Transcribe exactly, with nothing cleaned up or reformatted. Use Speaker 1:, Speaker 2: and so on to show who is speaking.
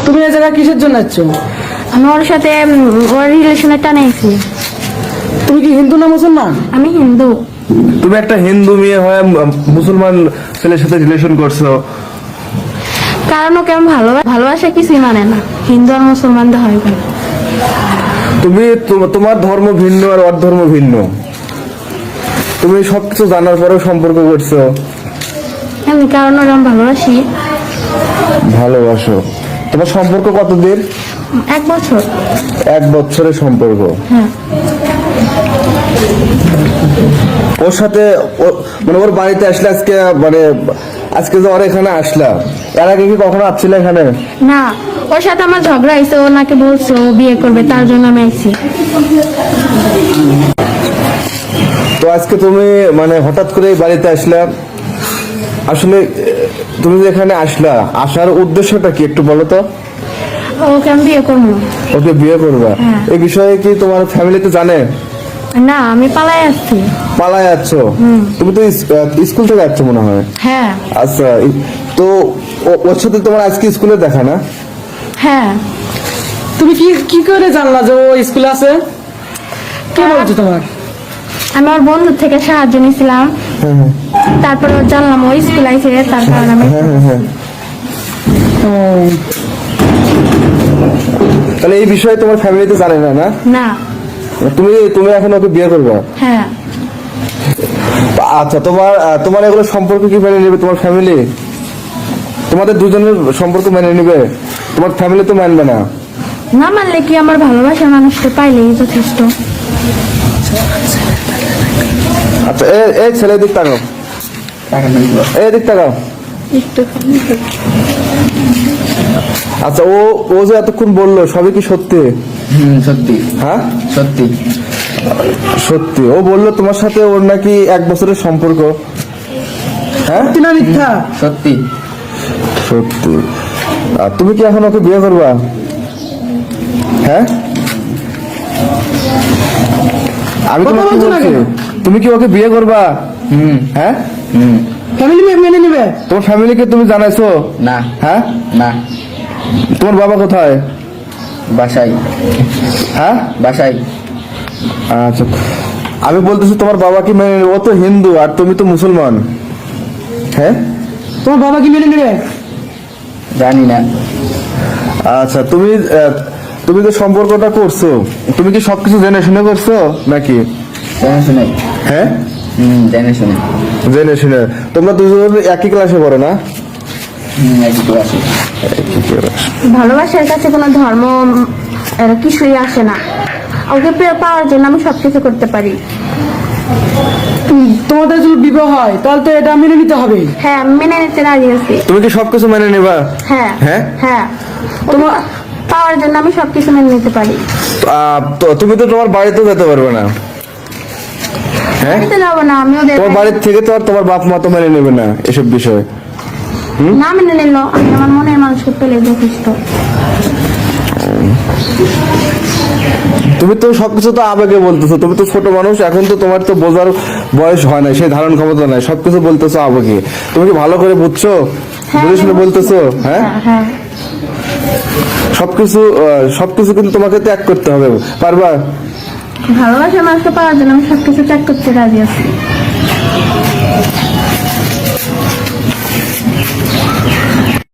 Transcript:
Speaker 1: তুমি এই জায়গায় কিসের জন্য যাচ্ছ?
Speaker 2: আমি ওর সাথে ওর রিলেশনে টানে আছি।
Speaker 1: তুমি কি হিন্দু না মুসলমান?
Speaker 2: আমি হিন্দু।
Speaker 3: তুমি একটা হিন্দু মেয়ে হয়ে মুসলমান ছেলের সাথে রিলেশন করছো?
Speaker 2: কারণ ওকে আমি ভালো ভালোবাসা কিছুই মানে না, হিন্দু আর মুসলমানদের হয় কেন?
Speaker 3: তুমি তোমার ধর্ম ভিন্ন আর ওর ধর্ম ভিন্ন, তুমি সবকিছু জানার পরেও সম্পর্ক করছো?
Speaker 2: এমনি কারণ ওরা আমি ভালোবাসি।
Speaker 3: ভালোবাসো? তোমার সম্পর্ক কতদিন?
Speaker 2: এক বছর।
Speaker 3: এক বছরের সম্পর্ক?
Speaker 2: হ্যাঁ।
Speaker 3: ওর সাথে মানে ওর বাড়িতে আসলে আজকে মানে আজকে যে ওর এখানে আসলা, এর আগে কি কখনো আসছিল এখানে?
Speaker 2: না, ওর সাথে আমার ঝগড়া হয়েছে, ও নাকি বলছে ও বিয়ে করবে, তার জন্য আমি আইছি।
Speaker 3: তো আজকে তুমি মানে হঠাৎ করে বাড়িতে আসলা, আসলে তুমি যে এখানে আসলা, আসার উদ্দেশ্যটা কি একটু বলো তো?
Speaker 2: ওকে আমি বিয়ে করবো।
Speaker 3: ওকে বিয়ে করবা?
Speaker 2: হ্যাঁ।
Speaker 3: এই বিষয়ে কি তোমার ফ্যামিলিতে জানে?
Speaker 2: না, আমি পালাই আসছি।
Speaker 3: পালায় যাচ্ছ? তুমি তো স্কুল থেকে যাচ্ছ মনে হয়।
Speaker 2: হ্যাঁ।
Speaker 3: আচ্ছা, তো ওর সাথে তোমার আজকে স্কুলে দেখা না?
Speaker 2: হ্যাঁ।
Speaker 1: তুমি কি কি করে জানলা যে ও স্কুলে আছে? কে বলছো তোমার?
Speaker 2: আমি আমার বন্ধুর থেকে সাহায্য নিয়েছিলাম, তারপর জানলাম ও স্কুল আইছে, তার কারণে আমি।
Speaker 1: ও,
Speaker 3: তাহলে এই বিষয়ে তোমার ফ্যামিলিতে জানে না? না,
Speaker 2: না।
Speaker 3: তুমি তুমি এখন ওকে বিয়ে করবে?
Speaker 2: হ্যাঁ।
Speaker 3: আচ্ছা, তোমার তোমার এগুলো সম্পর্ক কি মেনে নেবে তোমার ফ্যামিলি? তোমাদের দুজনের সম্পর্ক মেনে নেবে? তোমার ফ্যামিলি তো মানবে না।
Speaker 2: না মানলে কি, আমার ভালোবাসার মানুষকে পাইলেই যথেষ্ট।
Speaker 3: আচ্ছা, এই ছেলের দিক তাকাও, এই দিক তাকাও। আচ্ছা, ও ও যে এতক্ষণ বললো সবই কি সত্যি?
Speaker 4: হুম, সত্যি।
Speaker 3: হ্যাঁ,
Speaker 4: সত্যি
Speaker 3: সত্যি। ও বললো তোমার সাথে ওর নাকি এক বছরের সম্পর্ক। হ্যাঁ,
Speaker 1: সত্যি না মিথ্যা?
Speaker 4: সত্যি
Speaker 3: সত্যি। আর তুমি কি এখন ওকে বিয়ে করবা? হ্যাঁ, আমি
Speaker 1: কথা
Speaker 3: তোমাকে
Speaker 1: বলছো না
Speaker 3: বলছি,
Speaker 1: কেন?
Speaker 3: তুমি কি ওকে বিয়ে করবা?
Speaker 4: হুম
Speaker 3: হ্যাঁ,
Speaker 4: হুম
Speaker 1: ফ্যামিলি মেনে নেবে?
Speaker 3: তোমার ফ্যামিলিকে তুমি জানাইছো?
Speaker 4: না
Speaker 3: হ্যাঁ,
Speaker 4: না
Speaker 3: তোমার বাবা কোথায়?
Speaker 4: বাসাই
Speaker 3: হ্যাঁ,
Speaker 4: বাসাই
Speaker 3: আচ্ছা, আমি বলতেছি তোমার বাবা কি মেনে নেবে? ও তো হিন্দু আর তুমি তো মুসলমান। হ্যাঁ,
Speaker 1: তোমার বাবা কি মেনে নেবে?
Speaker 4: জানি না।
Speaker 3: আচ্ছা, তুমি আহ, তুমি যে সম্পর্কটা করছো, তুমি কি সবকিছু জেনে শুনে করছো নাকি?
Speaker 4: জেনে শুনে।
Speaker 3: হ্যাঁ,
Speaker 4: হুম, জেনে শুনে।
Speaker 3: জেনে শুনে। তোমরা দুজন একই ক্লাসে পড়ো না?
Speaker 4: হুম, একই ক্লাসে।
Speaker 3: একই ক্লাস।
Speaker 2: ভালোবাসার কাছে কোনো ধর্ম এর কিছুই আসে না। ওকে পেয়ে পাওয়ার জন্য আমি সবকিছু করতে পারি।
Speaker 1: উম, তোমাদের যদি বিবাহ হয় তাহলে তো এটা মেনে নিতে হবে।
Speaker 2: হ্যাঁ, আমি মেনে নিতে রাজি আছি।
Speaker 3: তুমি কি সবকিছু মেনে নিবা?
Speaker 2: হ্যাঁ।
Speaker 3: হ্যাঁ?
Speaker 2: হ্যাঁ, তোমার পাওয়ার জন্য আমি সবকিছু মেনে নিতে পারি।
Speaker 3: আহ, তো তুমি তো তোমার বাড়িতেও যেতে পারবে না। হ্যাঁ,
Speaker 2: বাড়িতে যাবো না, আমি ওদের
Speaker 3: তোমার বাড়ির থেকে তো আর তোমার বাপ মা তো মেনে নেবে না এসব বিষয়।
Speaker 2: না মেনে নিল, আমি আমার মনের মানুষকে পেলে যথেষ্ট।
Speaker 3: তুমি তো সবকিছু তো আবেগে বলতেছো, তুমি তো ছোট মানুষ, এখন তো তোমার তো বোঝার বয়স হয় না, সেই ধারণ ক্ষমতা নাই, সবকিছু বলতেছো আবেগে। তুমি কি ভালো করে বুঝছো?
Speaker 2: হ্যাঁ,
Speaker 3: বুঝে শুনে বলতেছো? হ্যাঁ,
Speaker 2: হ্যাঁ, হ্যাঁ।
Speaker 3: সবকিছু আহ, সবকিছু কিন্তু তোমাকে ত্যাগ করতে হবে, পারবা?
Speaker 2: ভালোবাসার মানুষকে পাওয়ার জন্য আমি সবকিছু ত্যাগ করতে রাজি আছি।